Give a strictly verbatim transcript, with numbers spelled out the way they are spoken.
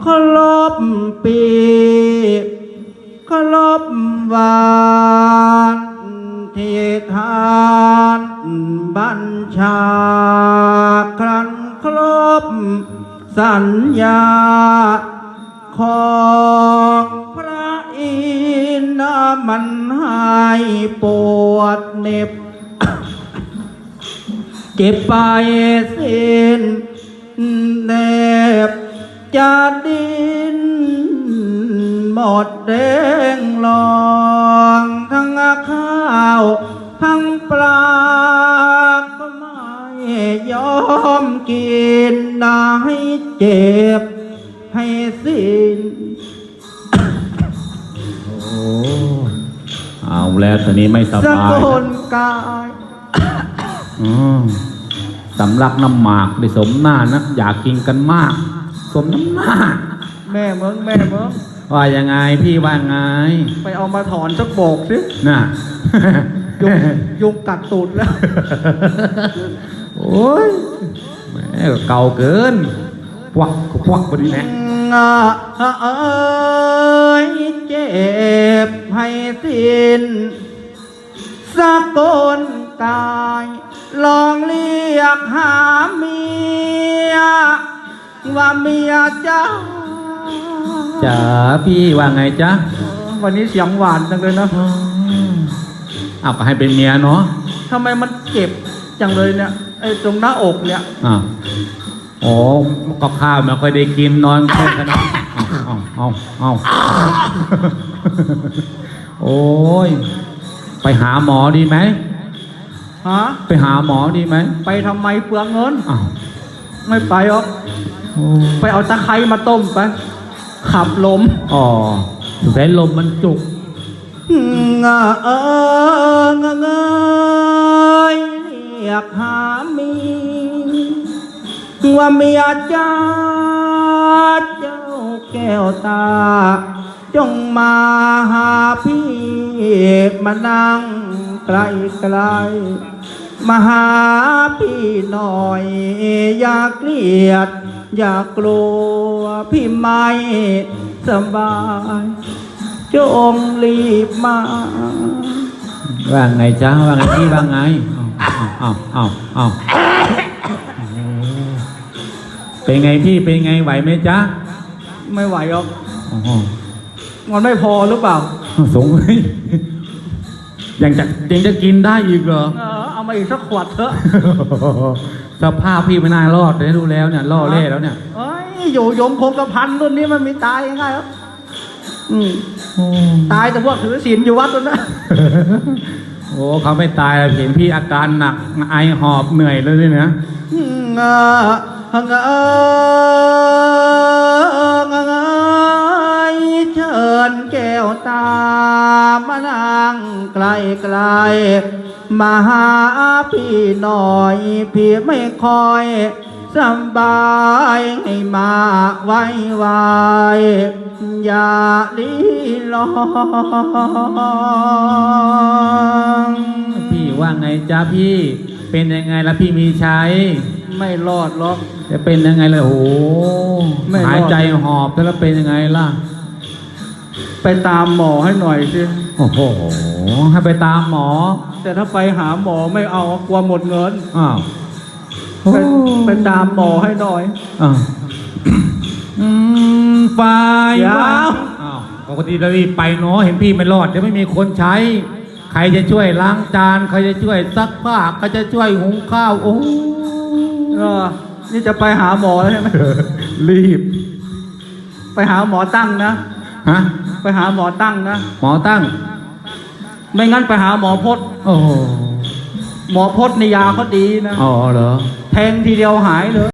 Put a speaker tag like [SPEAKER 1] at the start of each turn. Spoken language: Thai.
[SPEAKER 1] รบปีเคารพวานที่ทานบัญชาครั้นครบสัญญาของพระอินทร์มันให้ปวดเหน็บ เก็บไปสิ้นเน็บจะดินหมดแดงลองทั้งข้าวทั้งปลาก็ไม่ยอมกินได้เจ็บให้สิ้น
[SPEAKER 2] โอ้เอาแล้วตอนนี้ไม่ส
[SPEAKER 1] ส
[SPEAKER 2] บาย
[SPEAKER 1] กุลกาย
[SPEAKER 2] อืมสำลักน้ำหมากได้สมหน้านะอยากกินกันมาก สมน้ำหน้า
[SPEAKER 1] แม่เมืองแม่เมือง
[SPEAKER 2] ว่ายังไงพี่ว่าไง
[SPEAKER 1] ไปเอามาถอนสักโบกสิ
[SPEAKER 2] น่ะ
[SPEAKER 1] ยุงยุงกัดตูดแล้ว
[SPEAKER 2] โอ้ยแม่ก็เก่าเกินพวักพวักพอดีแน่
[SPEAKER 1] เอ้ยเจ็บให้สิ้นสกุลกายลองเรียกหาเมียว่าเมียจ้า
[SPEAKER 2] จ๋าพี่ว่าไงจ๊ะ
[SPEAKER 1] วันนี้เสียงหวานจังเลยนะ
[SPEAKER 2] เอาก็ให้เป็นเมียเนาะ
[SPEAKER 1] ทำไมมันเจ็บจังเลยเนี่ยไอ้ตรงหน้าอกเนี่ย
[SPEAKER 2] อ่าโอ้ก็ข้าวไม่ค่อยได้กินนอนแค่ขนาดเอาเอาเอาเอาโอ้ยไปหาหมอดีไหม
[SPEAKER 1] ฮะ
[SPEAKER 2] ไปหาหมอดีไหม
[SPEAKER 1] ไปทำไมเปลืองเงิน
[SPEAKER 2] อ้าว
[SPEAKER 1] ไม่ไปหรอก
[SPEAKER 2] โอ้
[SPEAKER 1] ไปเอาตะไคร้มาต้มไปขับลม
[SPEAKER 2] อ๋อสุดท้ายลมมันจุก
[SPEAKER 1] งาเอิงเงยเรียกหามีว่าเมียจ้าเจ้าแก้วตาจงมาหาพี่มานั่งไกลไกลมาหาพี่หน่อยอย่าเกลียดอย่ากลัวพี่ไม่สบายจงรีบมา
[SPEAKER 2] ว่าไงจ๊ะว่าไงพี่ว่าไงเอาเอาเอาเอาเป็นไงพี่เป็นไงไหวไหมจ๊ะ
[SPEAKER 1] ไม่ไหวหรอก
[SPEAKER 2] โอ้โห
[SPEAKER 1] มันไม่พอหรือเปล่า
[SPEAKER 2] สงสัยยังจะยังจะกินได้อีกเหรอ
[SPEAKER 1] เออเอามาอีกสักขวดเถอะ
[SPEAKER 2] สภาพพี่ไม่น่ารอดเลยดูแล้วเนี่ยล่อเล่แล้วเนี่ย
[SPEAKER 1] เอ้ยอยู่ยงคงกระพันรุ่นนี้มันมีตายง่ายหรออืมตายแต่พวกถือศีลอยู่วัดนั่นนะ
[SPEAKER 2] โอ้เขาไม่ตายเห็นพี่อาการหนักไอหอบเหนื่อยเลยเนี่ยนะ
[SPEAKER 1] งาเงยเชิญแก้วตามานั่งไกลไกลมาหาพี่หน่อยพี่ไม่คอยสบายให้มาไว้ไว้อย่าลีลอง
[SPEAKER 2] พี่ว่าไงจ๊ะพี่เป็นยังไงล่ะพี่มีชัย
[SPEAKER 1] ไม่รอดหรอก
[SPEAKER 2] จะเป็นยังไงล่ะโอ้โห
[SPEAKER 1] ไม่รอด
[SPEAKER 2] หายใจหอบแล้วเป็นยังไงล่ะ
[SPEAKER 1] ไปตามหมอให้หน่อยสิ
[SPEAKER 2] โอ้โหให้ไปตามหมอ
[SPEAKER 1] แต่ถ้าไปหาหมอไม่เอากลัวหมดเงิน
[SPEAKER 2] อ้าว
[SPEAKER 1] ไปไปตามหมอให้หน่อย
[SPEAKER 2] อ้าวอืมไฟ
[SPEAKER 1] เดี๋ยว
[SPEAKER 2] อ้าวปกติเรารีบไปเนาะเห็นพี่ไม่รอดเดี๋ยวไม่มีคนใช้ ใครจะช่วยล้างจานใครจะช่วยซักผ้าใครจะช่วยหุงข้าวโอ้
[SPEAKER 1] เออนี่จะไปหาหมอแล้วใช่ไหม
[SPEAKER 2] รีบ
[SPEAKER 1] ไปหาหมอตั้งนะ
[SPEAKER 2] ฮะ
[SPEAKER 1] ไปหาหมอตั้งนะ
[SPEAKER 2] หมอตั้ง
[SPEAKER 1] ไม่งั้นไปหาหมอพจน์
[SPEAKER 2] โอ้โห
[SPEAKER 1] หมอพจน์ในยาเขาดีนะ
[SPEAKER 2] อ๋อเหรอ
[SPEAKER 1] แทงทีเดียวหายเลย